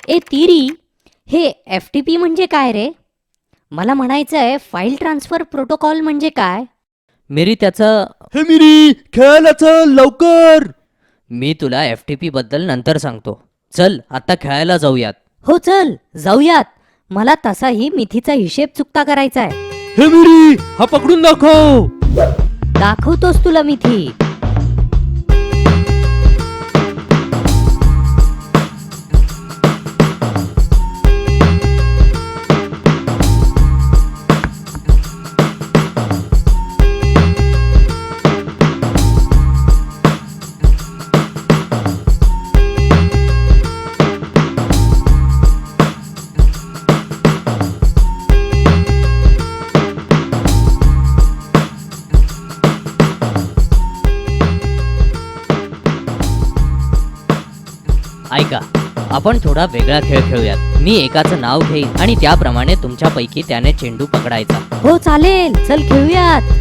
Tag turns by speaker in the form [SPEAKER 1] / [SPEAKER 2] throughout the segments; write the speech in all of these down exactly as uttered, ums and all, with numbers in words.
[SPEAKER 1] ए तिरी, हे F T P म्हणजे काय रे? मला म्हणायचं आहे फाईल ट्रान्सफर प्रोटोकॉल म्हणजे काय?
[SPEAKER 2] मेरी त्याचं
[SPEAKER 3] हे मिरी, खेळायला चल लवकर.
[SPEAKER 2] मी तुला एफ टी पी बद्दल नंतर सांगतो. चल आता खेळायला जाऊयात.
[SPEAKER 1] हो चल जाऊयात. मला तसाही मिथीचा हिशेब चुकता करायचा आहे.
[SPEAKER 3] हे मिरी, हा पकडून दाखव.
[SPEAKER 1] दाखवतोस तुला मिथी.
[SPEAKER 2] ऐका, आपण थोडा वेगळा खेळ खेळूयात. मी एकाचं नाव घेईन आणि त्याप्रमाणे तुमच्यापैकी त्याने चेंडू पकडायचा.
[SPEAKER 1] हो चालेल, चल खेळूयात.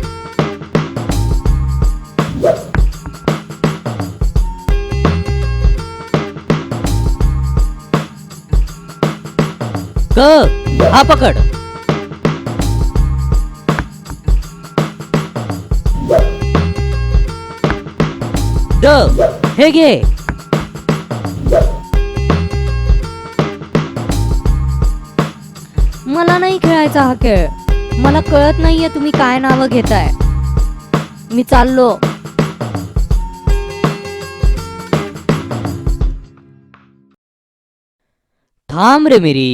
[SPEAKER 2] क हा पकड. ड हे घे.
[SPEAKER 1] मला नाही खेळायचा हा खेळ. मला कळत नाहीये तुम्ही काय नावं घेताय. मी चाललो.
[SPEAKER 2] थांब रे मेरी.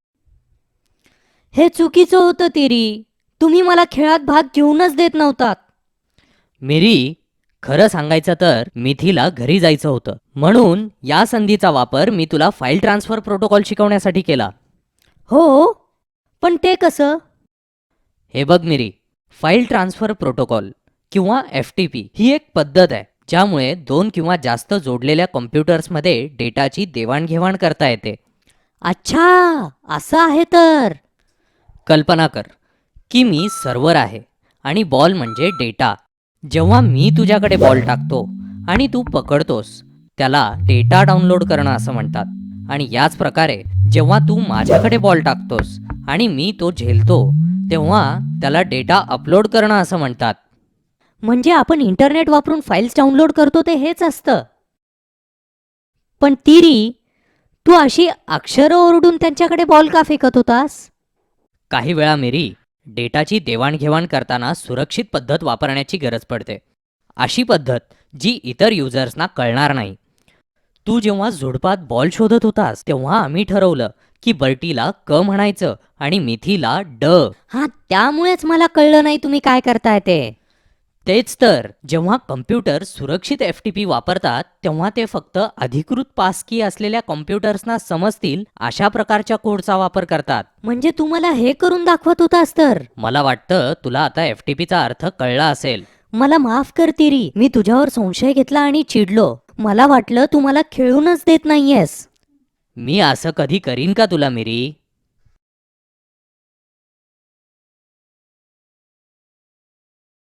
[SPEAKER 1] हे चुकीचं होतं तिरी. तुम्ही मला खेळात भाग घेऊनच देत नव्हतात.
[SPEAKER 2] मेरी, खरं सांगायचं तर मिथीला घरी जायचं होतं, म्हणून या संधीचा वापर मी तुला फाईल ट्रान्सफर प्रोटोकॉल शिकवण्यासाठी केला.
[SPEAKER 1] हो, पण ते कसं?
[SPEAKER 2] हे बघ मिरी, फाईल ट्रान्सफर प्रोटोकॉल किंवा एफ टी पी ही एक पद्धत आहे ज्यामुळे दोन किंवा जास्त जोडलेल्या कॉम्प्युटर्समध्ये डेटाची देवाणघेवाण करता येते.
[SPEAKER 1] अच्छा, असं आहे तर.
[SPEAKER 2] कल्पना कर की मी सर्व्हर आहे आणि बॉल म्हणजे डेटा. जेव्हा मी तुझ्याकडे बॉल टाकतो आणि तू पकडतोस त्याला डेटा डाउनलोड करणं असं म्हणतात. आणि याच प्रकारे जेव्हा तू माझ्याकडे बॉल टाकतोस आणि मी तो झेलतो तेव्हा त्याला डेटा अपलोड करणं असं म्हणतात.
[SPEAKER 1] म्हणजे आपण इंटरनेट वापरून फाईल्स डाउनलोड करतो ते हेच असतं. पण तिरी, तू अशी अक्षरं ओरडून त्यांच्याकडे बॉल का फेकत होतास?
[SPEAKER 2] काही वेळा मेरी, डेटाची देवाणघेवाण करताना सुरक्षित पद्धत वापरण्याची गरज पडते. अशी पद्धत जी इतर युजर्सना कळणार नाही. तू जेव्हा झुडपात बॉल शोधत होतास तेव्हा आम्ही ठरवलं की बर्टीला क म्हणायचं आणि मिथीला ड.
[SPEAKER 1] हा, त्यामुळेच मला कळलं नाही तुम्ही काय करताय ते.
[SPEAKER 2] तेच तर, जेव्हा कम्प्युटर सुरक्षित एफ टी पी वापरतात तेव्हा ते फक्त अधिकृत पासकी असलेल्या कॉम्प्युटर्सना समजतील अशा प्रकारच्या कोडचा वापर करतात.
[SPEAKER 1] म्हणजे तू मला हे करून दाखवत होतास तर.
[SPEAKER 2] मला वाटतं तुला आता एफ टी पीचा अर्थ कळला असेल.
[SPEAKER 1] मला माफ कर तिरी, मी तुझ्यावर संशय घेतला आणि चिडलो. मला वाटलं तू मला खेळूनच देत नाहीयेस.
[SPEAKER 2] मी असं कधी करीन का तुला मिरी?